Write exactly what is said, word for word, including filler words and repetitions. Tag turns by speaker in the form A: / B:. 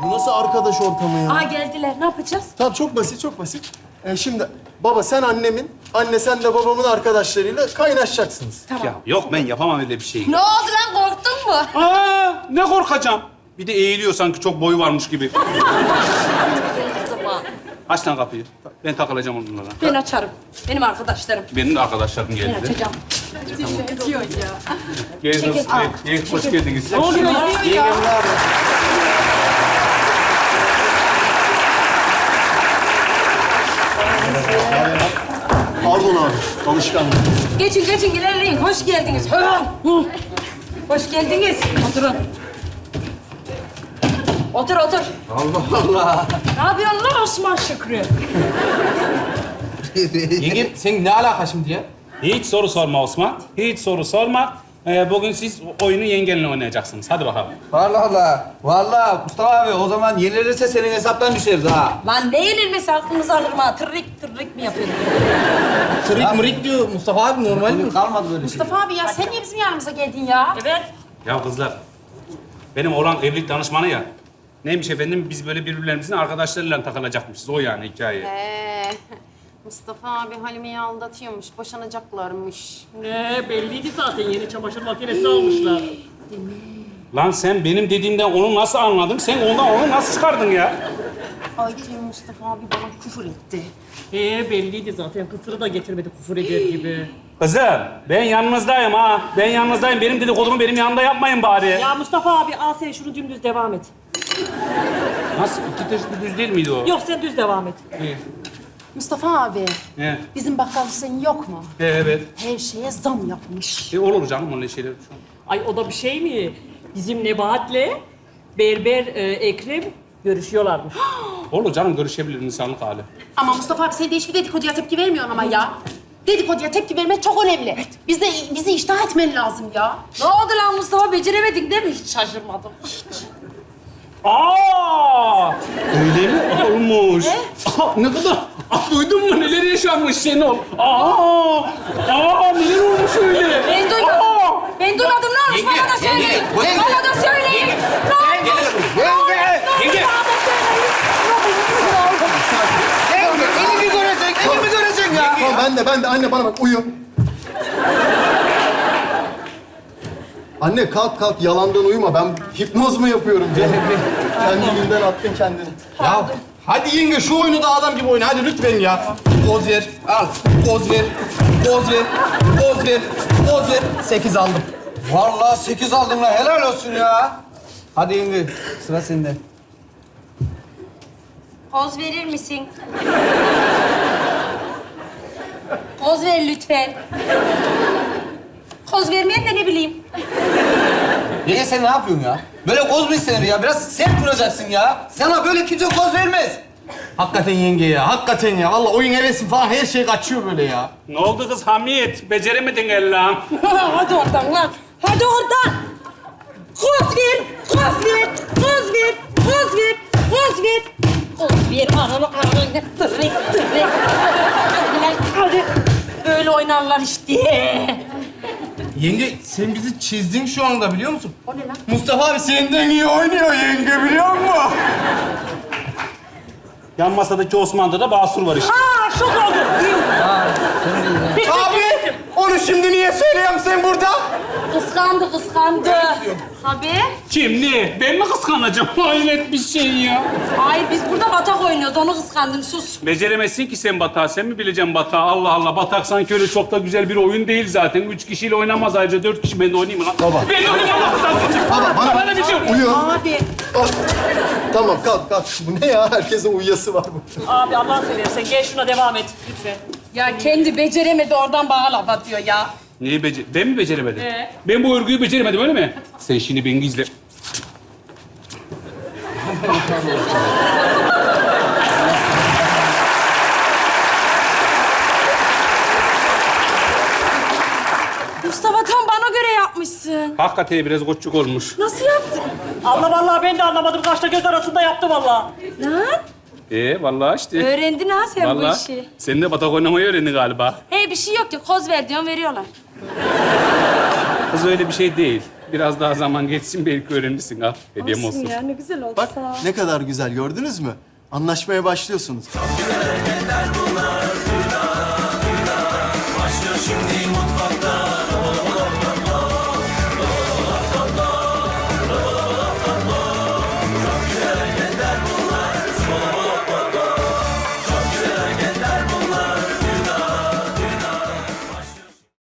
A: Bu nasıl arkadaş ortamı ya?
B: Aa geldiler. Ne yapacağız?
A: Tamam çok basit, çok basit. Ee, şimdi baba sen annemin, anne sen de babamın arkadaşlarıyla kaynaşacaksınız.
B: Tamam.
C: Ya yok ben yapamam öyle bir şey.
B: Ne oldu lan? Korktun mu?
C: Aa, ne korkacağım. Bir de eğiliyor sanki çok boyu varmış gibi. Aç lan kapıyı. Ben takılacağım onlarla.
B: Ben açarım. Benim arkadaşlarım.
C: Benim de arkadaşlarım
B: Ben
C: geldi.
B: açacağım.
C: Geldiniz.
B: Çekil, al.
C: Evet, hoş geldiniz.
B: Ne oluyor ya?
A: Pardon abi, alışkanlık.
B: Geçin geçin ilerleyin. Hoş geldiniz. Hı. Hoş geldiniz. Oturun. Otur otur.
D: Allah Allah.
B: Ne yapıyorsun lan Osman Şükrü?
D: Yenge sen ne alaka şimdi ya?
C: Hiç soru sorma Osman. Hiç soru sorma. Ee, bugün siz oyunu yengenle oynayacaksınız. Hadi bakalım.
D: Allah Allah. Vallahi Mustafa abi o zaman yenilirse senin hesaptan düşeriz ha.
B: Lan ne yenilmesi aklınızı alırım ha. Tırrik tırrik mi yapıyorsun?
D: Trik mrik diyor Mustafa abi normal mi? Kalmadı böyle şey.
E: Mustafa abi ya sen niye bizim yanımıza geldin ya?
B: Evet.
C: Ya kızlar, benim oğlan evlilik danışmanı ya. Neymiş efendim? Biz böyle birbirlerimizin arkadaşlarıyla takılacakmışız. O yani hikaye.
E: Ee, Mustafa abi Halime'yi aldatıyormuş, boşanacaklarmış.
F: Ne belliydi zaten yeni çamaşır makinesi almışlar.
C: Lan sen benim dediğimden onu nasıl anladın? Sen ondan onu nasıl çıkardın ya?
E: Ay Mustafa abi bana küfür etti.
F: Ee belliydi zaten kısırı da getirmedi küfür eder gibi.
C: Kızım, ben yanınızdayım ha. Ben yanınızdayım. Benim dedikodumu benim yanımda yapmayın bari.
F: Ya Mustafa abi al sen şunu dümdüz devam et.
C: Nasıl? İki teşbih düz değil miydi o?
F: Yok sen düz devam et.
C: İyi.
E: Mustafa abi,
C: He.
E: bizim bakkal Hüseyin yok mu?
C: He, evet.
E: Her şeye zam yapmış.
C: E, olur canım öyle şeyler.
F: Ay o da bir şey mi? Bizim Nebahat'le Berber e, Ekrem görüşüyorlarmış.
C: Olur canım, görüşebilir insanlık hali.
E: Ama Mustafa abi sen de hiçbir dedikoduya tepki vermiyorsun ama ya. Dedikoduya tepki vermek çok önemli. Biz de bizi iştah etmen lazım ya.
B: Ne oldu lan Mustafa? Beceremedin değil mi? Hiç şaşırmadım.
C: Aa! Öyle mi olmuş? Aa, ne kadar? Aa, duydun mu neler yaşanmış Şenol? Aa! Aa, neler olmuş öyle?
B: Ben duydum.
C: Aa!
B: Ben duymadım. Ne olmuş? Bana da söyleyin.
D: yenge,
B: Bana da söyleyin. Ne oldu?
D: Yenge!
C: Yenge!
D: Yenge! Elimi görecek, elimi görecek ya.
A: Tamam ben de, ben de. Anne bana bak, uyu. Anne kalk kalk, yalandan uyuma. Ben hipnoz mu yapıyorum canım? Kendiliğinden attın kendini.
D: Ya hadi yenge şu oyunu da adam gibi oyna hadi lütfen ya. Poz ver, al. Poz ver, poz ver, poz ver, poz ver. Sekiz aldım. Vallahi sekiz aldın lan helal olsun ya. Hadi yenge sıra sende.
B: Poz verir misin? Poz ver lütfen. Poz vermeyen de ne bileyim.
D: Yenge sen ne yapıyorsun ya? Böyle koz mu istenir ya? Biraz sert duracaksın ya. Sana böyle kimse koz vermez. Hakikaten yenge ya, hakikaten ya. Vallahi oyun hevesim falan her şey kaçıyor böyle ya.
C: Ne oldu kız Hamiyet? Beceremedin Allah'ım.
B: Hadi oradan lan. Hadi oradan. Poz ver. Poz ver. Poz ver. Poz ver. Poz ver. Poz ver. Ananı ananı. Tırrik tırrik. Hadi. Hadi. Böyle oynarlar işte.
D: Yenge sen bizi çizdin şu anda biliyor musun?
B: O ne lan?
D: Mustafa abi senden iyi oynuyor yenge biliyor musun?
C: Yan masadaki Osman'da da Basur var işte.
B: Aa şok oldum.
D: Abi onu şimdi niye söylüyorum sen burada?
B: Kıskandı kıskandı. Tabii.
C: Kim ne? Ben mi kıskanacağım? Hayret bir şey ya.
B: Hayır biz burada batak oynuyoruz. Onu kıskandın sus.
C: Beceremezsin ki sen batağı. Sen mi bileceksin batağı? Allah Allah. Batak sanki öyle çok da güzel bir oyun değil zaten. Üç kişiyle oynamaz ayrıca. Dört kişi. Ben de oynayayım mı lan?
A: Baba.
C: Ben de oynayayım Allah rızası.
A: Baba, bana-
C: Bana bir şey yok.
A: Uyu.
B: Abi.
A: Al. Tamam kalk kalk. Bu ne ya? Herkesin uyuyası var bu.
F: Abi Allah'ını seversen gel şuna devam et lütfen.
B: Ya kendi beceremedi oradan bana laf atıyor ya.
C: Neyi becer... Ben mi beceremedim?
F: Ee?
C: Ben bu örgüyü beceremedim öyle mi? Sen şimdi beni izle.
B: Mustafa tam bana göre yapmışsın.
C: Hakikaten biraz koççuk olmuş.
B: Nasıl yaptın?
F: Allah vallahi ben de anlamadım. Kaşla göz arasında yaptı vallahi.
B: Lan
C: Ee vallahi işte.
B: öğrendin ha sen bu
C: Vallahi.
B: işi.
C: Sen de batak oynamayı öğrendin galiba.
B: Hey bir şey yok ki koz ver diyorsun veriyorlar.
C: Kız öyle bir şey değil. Biraz daha zaman geçsin belki öğrenirsin ha. Hediyem olsun.
B: Ya ne güzel oldu.
A: Bak
B: sağ ol.
A: ne kadar güzel gördünüz mü? Anlaşmaya başlıyorsunuz.
G: Güzel hareketler bunlar